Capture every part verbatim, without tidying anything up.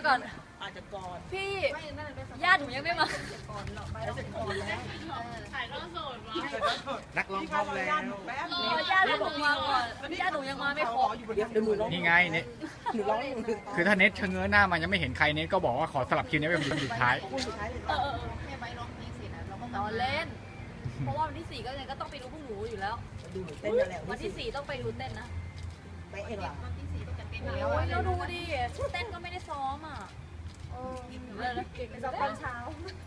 ก่อนอาจจะก่อนพี่ญาติหนูยังไม่มาก่อนหรอกไปแล้วเสร็จก่อนแล้วถ่ายทอดสดวะนักร้องพร้อมแล้วแป๊บรอญาติหนูมาก่อนญาติหนูยังมาไม่ครบอยู่บนเดี๋ยวหนูร้องนี่ไงเน็ตหนูร้องหนูหนึ่งคือถ้าเน็ตชะเง้อหน้ามันยังไม่เห็นใครเน็ตก็บอกว่าขอสลับคิวนี้ไปเป็นสุดท้ายพูดสุดท้ายเลยเออเออแม่ใบร้องเพลงเสร็จแล้วเราก็นอนเล่น เพราะว่าวันที่สี่ก็ยังก็ต้องไปดูพวกหนูอยู่แล้วดูหนูเต้นนั่นแหละวันที่สี่ต้องไปดูเต้นนะไปเองเหรอวันที่สี่ก็จะเต้นโอ้ยแล้วดูดิเต้นก็ไม่ได้ซ้อมอ่ะเออเลยนะไปซ้อมตอนเช้า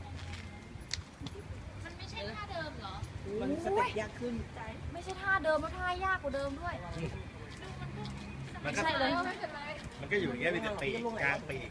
มันไม่ใช่ท่าเดิมเหรอมันสเต็ปยากขึ้นไม่ใช่ท่าเดิมแล้วท่ายากกว่าเดิมด้วยมันก็ใช่เลยมันก็อยู่อย่างเงี้ยมีแต่ปีกกลางปีก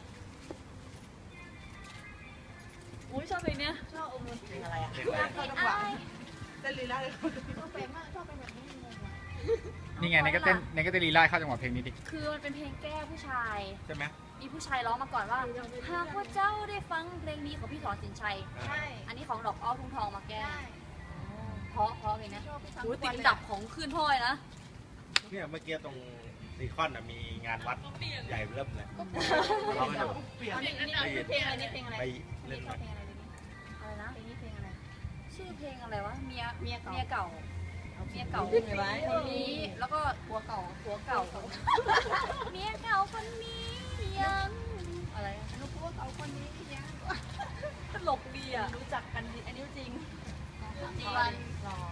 อุ้ยชอบเพลงเนี้ยชอบอมมือเพลงอะไรอ่ะเห็นไหมเพลงอ้ายเต้นลีลาเลยชอบเป็นมากชอบเป็นแบบนี้งงอ่ะนี่ไงเน็ตก็เต้นเน็ตก็เต้นลีลาเข้าจังหวะเพลงนี้ดิคือมันเป็นเพลงแก้ผู้ชายใช่ไหมมีผู้ชายร้องมาก่อนว่าหากว่าเจ้าได้ฟังเพลงนี้ของพี่สอนสินชัยใช่อันนี้ของดอกอ้อทุ่งทองมาแก้ใช่เพราะเพราะเพลงนี้ชอบไปฟังอุ้ยทุกติวัดนอัเลยนดับของคืนพ่อยนะเนี่ยเมื่อกี้ตรงซีคอนมีงานวัดใหญ่เริ่มเลยเราไปดูอันนี้เพลงอะไรนี่เพลงอะไรไปอันเล่นี้นชอมาบเพลงอะไรนี่อะไรนะเพลงนี้เพลงอะไรชื่อเพลงอะไรวะ เมียเมียเก่าเมียเก่า เมียเก่าเพลงอะไรคนนี้ แล้วก็ผัวเก่าผัวเก่า เมียเก่าคนนี้ยัง อะไรลูกพวกเอาคนนี้ยังตลกดีอ่ะ รู้จักกันดีอันนี้จริงจีวันรอ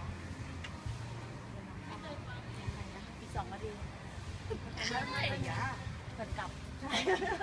อีกสองนาทีไม่ไม่อย่าเปิดกลับ